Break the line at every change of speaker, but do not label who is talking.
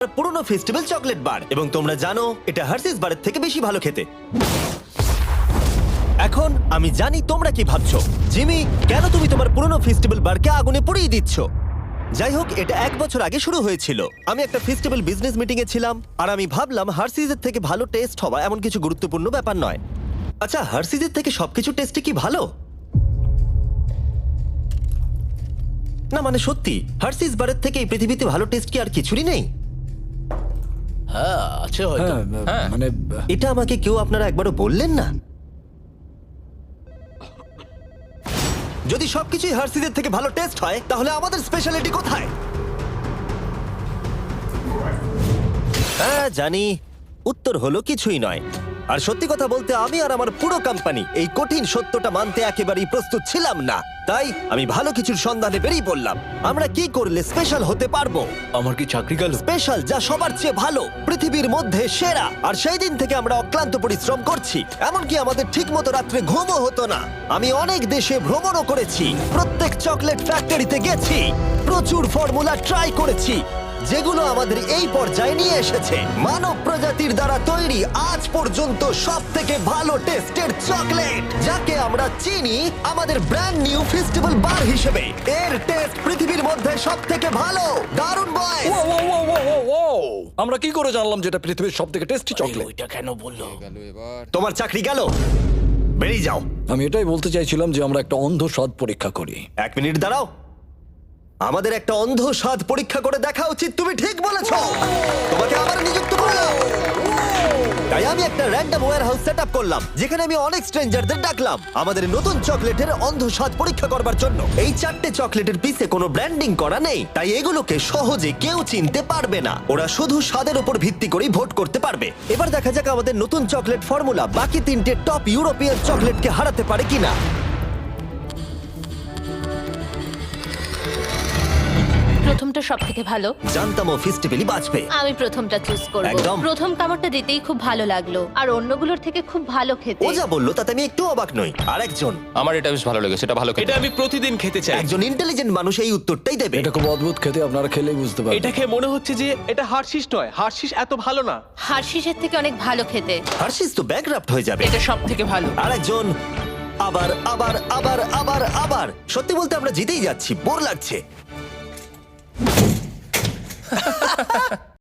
পুরনো festival chocolate bar এবং তোমরা জানো এটা হার্সিস বারের থেকে বেশি ভালো খেতে। এখন আমি জানি তোমরা কি ভাবছো, জিমি কেন তুমি তোমার পুরনো ফেস্টিভ্যাল বারকে আগুনে পুড়িয়ে দিচ্ছ? যাই হোক, এটা 1 বছর আগে শুরু হয়েছিল। আমি একটা ফেস্টিভ্যাল বিজনেস মিটিং এ ছিলাম আর আমি ভাবলাম হার্সিজের থেকে ভালো টেস্ট হওয়া এমন কিছু গুরুত্বপূর্ণ ব্যাপার নয়। আচ্ছা, হার্সিজের থেকে সবকিছু টেস্টে কি ভালো? না মানে সত্যি, হার্সিস বারের থেকে এই পৃথিবীতে ভালো টেস্ট কি আর কিছুরই নেই?
হ্যাঁ আছে হয়তো। হ্যাঁ
মানে
এটা আমাকে কেউ আপনারা একবারও বললেন না? যদি সবকিছুই হার্সিজের থেকে ভালো টেস্ট হয় তাহলে আমাদের স্পেশালিটি কোথায়? হ্যাঁ জানি, উত্তর হলো কিছুই নয়। আর সত্যি কথা বলতে আমি আর আমার পুরো কোম্পানি এই কঠিন সত্যটা মানতে একেবারেই প্রস্তুত ছিলাম না। তাই আমি ভালো কিছুর সন্ধানে বেরিয়ে পড়লাম। আমরা কি করলে স্পেশাল হতে পারবো?
আমার কি চাকরি গেল?
স্পেশাল যা সবার চেয়ে ভালো, পৃথিবীর মধ্যে সেরা। আর সেই দিন থেকে আমরা অক্লান্ত পরিশ্রম করছি, এমনকি আমাদের ঠিকমতো রাত্রে ঘুমও হতো না। আমি অনেক দেশে ভ্রমণও করেছি, প্রত্যেক চকলেট ফ্যাক্টরিতে গেছি, প্রচুর ফর্মুলা ট্রাই করেছি যেগুলো আমাদের এই পর্যায়ে নিয়ে এসেছে। মানব প্রজাতির দ্বারা তৈরি আজ পর্যন্ত সব থেকে ভালো টেস্টের চকলেট, যাকে আমরা চিনি আমাদের ব্র্যান্ড নিউ ফেস্টিভ্যাল বার হিসেবে। এর টেস্ট পৃথিবীর মধ্যে সব থেকে ভালো। দারুণ বয়।
আমরা কি করে জানলাম যেটা পৃথিবীর সবথেকে টেস্টি চকলেট?
ওইটা কেন বললো?
তোমার চাকরি গেল, বেরিয়ে যাও।
আমি এটাই বলতে চাইছিলাম যে আমরা একটা অন্ধ স্বাদ পরীক্ষা করি।
1 মিনিট দাঁড়াও, আমাদের একটা অন্ধ স্বাদ পরীক্ষা করে দেখা উচিত। তুমি ঠিক বলেছো, তোমাকে আবার নিযুক্ত করলাম। তাই আমি একটা র্যান্ডম ওয়্যারহাউস সেটআপ করলাম যেখানে আমি অনেক স্ট্রেঞ্জারদের ডাকলাম আমাদের নতুন চকলেটের অন্ধ স্বাদ পরীক্ষা করবার জন্য। এই 4টে চকলেটের পিছে কোনো ব্র্যান্ডিং করা নেই, তাই এগুলোকে সহজে কেউ চিনতে পারবে না। ওরা শুধু স্বাদের উপর ভিত্তি করেই ভোট করতে পারবে। এবার দেখা যাক আমাদের নতুন চকলেট ফর্মুলা বাকি 3টে টপ ইউরোপিয়ান চকলেটকে হারাতে পারে কিনা।
প্রথমটা সব থেকে ভালো।
জানতাম ও ফেস্টিভ্যালই বাঁচবে।
আমি প্রথমটা চুজ করব।
একদম।
প্রথম কামড়টা দিতেই খুব ভালো লাগলো, আর অন্যগুলোর থেকে খুব ভালো খেতে।
ও যা বললো তাতে আমি একটু অবাক নই। আরেকজন,
আমার এটা বেশ ভালো লেগেছে, এটা ভালো খেতে।
এটা আমি প্রতিদিন খেতে চাই।
একজন ইন্টেলিজেন্ট মানুষ এই উত্তরটাই দেবে।
এটা খুব অদ্ভুত খেতে, আপনারা খেলেই বুঝতে পারবেন।
এটা খেয়ে মনে হচ্ছে যে এটা হার্শিস নয়, হার্শিস এত ভালো না।
হার্শিসের থেকে অনেক ভালো খেতে।
হার্শিস তো ব্যাকগ্রাফট হয়ে যাবে।
এটা সব থেকে ভালো।
আরেকজন, আবার আবার আবার আবার আবার। সত্যি বলতে আমরা জিতেই যাচ্ছি, বোর লাগছে।